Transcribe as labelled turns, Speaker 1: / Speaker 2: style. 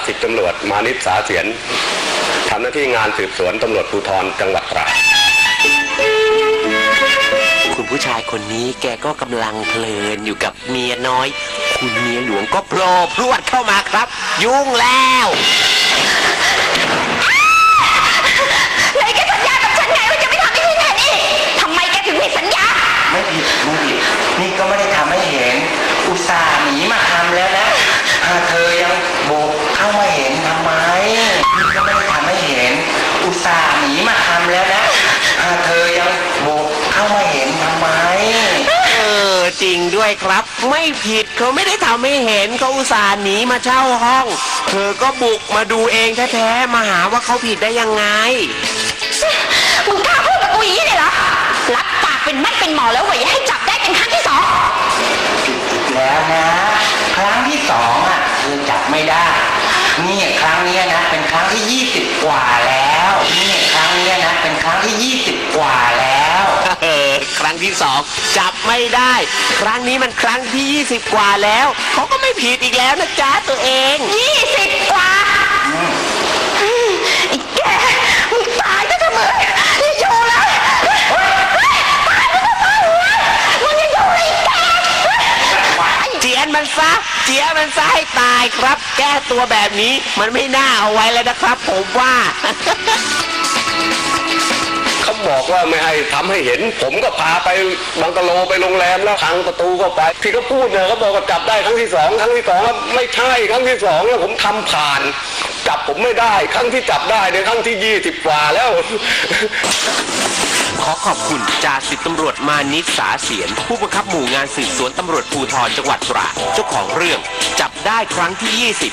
Speaker 1: สิบตำรวจมานิชสาเสียนทำหน้าที่งานสืบสวนตำรวจภูธรจังหวัดตราด
Speaker 2: คุณผู้ชายคนนี้แกก็กำลังเพลินอยู่กับเมียน้อย คุณเมียหลวงก็โผล่พรวดเข้ามาครับ ยุ่งแล้ว
Speaker 3: ไหนแกสัญญากับฉันไงว่าจะไม่ทำให้ฉันเห็นอีกทำไมแกถึงผิดสัญญา
Speaker 4: ไม่ผิดนี่ก็ไม่ได้ทำให้เห็นอุตส่าห์หนีมาทำแล้วนะเธอยังโบกเข้ามาเห็นทำไมนี่ก็ไม่ได้ทำให้เห็นอุตส่าห์หนีมาทำแล้วนะเธอยังโบกเข้ามาเห็นทำไม
Speaker 2: จริงด้วยครับไม่ผิดเขาไม่ได้ทำให้เห็นเขาอุตส่าห์หนีมาเช่าห้องเธอก็บุกมาดูเองแท้ๆมาหาว่าเขาผิดได้ยังไง
Speaker 3: มึงกล้าพูดกับกูอย่างนี้เลยเหรอรับปากเป็นมัดเป็นหมอแล้วว่าอย่าให้จับได้เป็นครั้งที่สอง
Speaker 4: ผิดแล้วนะครั้งที่สองเธอจับไม่ได้นี่ครั้งนี้นะเป็นครั้งที่20กว่าแล้วนี่ครั้งนี้นะเป็นครั้งที่20กว่าแล้ว
Speaker 2: ครั้งที่สองจับไม่ได้ครั้งนี้มันครั้งที่20กว่าแล้วเขาก็ไม่ผิดอีกแล้วนะจ๊ะตัวเอง
Speaker 3: 20กว่าไอ้แกมึงตายก็จะมึงอยู่แล้วตายก็จะมึงยังอยู่เลยแก
Speaker 2: เจียนมันซะให้ตายครับแก้ตัวแบบนี้มันไม่น่าเอาไว้แล้วนะครับผมว่า
Speaker 1: เขาบอกว่าไม่ให้ทำให้เห็นผมก็พาไปบังกะโลไปโรงแรมแล้วพังประตูเข้าไปที่เขาพูดเนี่ยเขาบอกว่าจับได้ครั้งที่สองไม่ใช่ครั้งที่สองแล้วผมทำผ่านจับผมไม่ได้ครั้งที่จับได้ในครั้งที่20กว่าแล้ว
Speaker 2: ขอขอบคุณจ่าสิบตำรวจมานิชสาเสียนผู้บังคับหมู่งานสืบสวนตำรวจภูธรจังหวัดตราดเจ้าของเรื่องจับได้ครั้งที่20